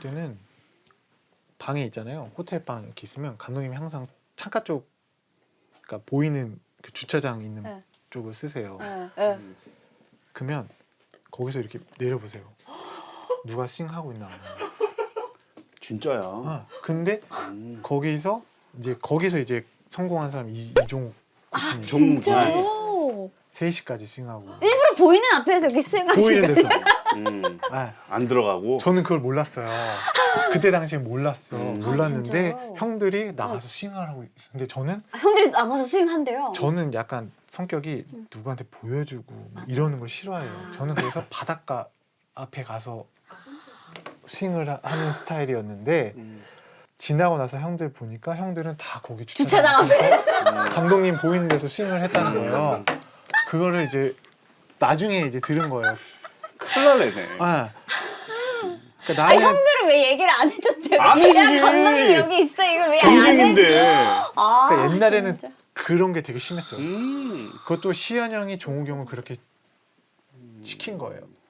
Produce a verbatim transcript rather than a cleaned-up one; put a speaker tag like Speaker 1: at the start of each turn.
Speaker 1: 때는 방에 있잖아요. 호텔 방 이렇게 있으면 감독님이 항상 창가 쪽, 그러니까 보이는 그 주차장 있는
Speaker 2: 네.
Speaker 1: 쪽을 쓰세요.
Speaker 2: 네, 네.
Speaker 1: 그러면 거기서 이렇게 내려보세요. 누가 싱하고 있나.
Speaker 3: 진짜야.
Speaker 1: 아, 근데
Speaker 3: 음.
Speaker 1: 거기서 이제 거기서 이제 성공한 사람이 이- 이종욱
Speaker 2: 아
Speaker 1: 교수님.
Speaker 2: 진짜요?
Speaker 1: 세 시까지 싱하고
Speaker 2: 일부러 보이는 앞에서 이렇게 쓱
Speaker 1: 보이는 데서.
Speaker 3: 음.
Speaker 1: 아,
Speaker 3: 안 들어가고.
Speaker 1: 저는 그걸 몰랐어요. 그때 당시에 몰랐어.
Speaker 3: 음.
Speaker 1: 몰랐는데
Speaker 2: 아, 진짜요?
Speaker 1: 형들이 나가서 싱을 하고 있었는데 저는
Speaker 2: 아, 형들이 나가서 스윙한대요.
Speaker 1: 저는 약간 성격이 누구한테 보여주고 뭐 이러는 걸 싫어해요.
Speaker 2: 아.
Speaker 1: 저는 그래서 바닷가 앞에 가서 스윙을 하- 하는 스타일이었는데
Speaker 3: 음.
Speaker 1: 지나고 나서 형들 보니까 형들은 다 거기
Speaker 2: 주차장
Speaker 1: 주차장
Speaker 2: 앞에.
Speaker 1: 앞에서 감독님 보이는 데서 스윙을 했다는 거예요. 그거를 이제 나중에 이제 들은 거예요.
Speaker 3: 큰일 날래네.
Speaker 1: 아, 그러니까
Speaker 2: 아
Speaker 1: 나는
Speaker 2: 형들은 왜 얘기를 안 해줬대요?
Speaker 3: 아니지.
Speaker 2: 야 감독님 여기 있어 이걸 왜 안 해?
Speaker 3: 경쟁인데.
Speaker 2: 아,
Speaker 1: 그러니까 옛날에는
Speaker 2: 진짜.
Speaker 1: 그런 게 되게 심했어요.
Speaker 3: 음.
Speaker 1: 그것도 시현 형이 종욱이 형을 그렇게 시킨 거예요.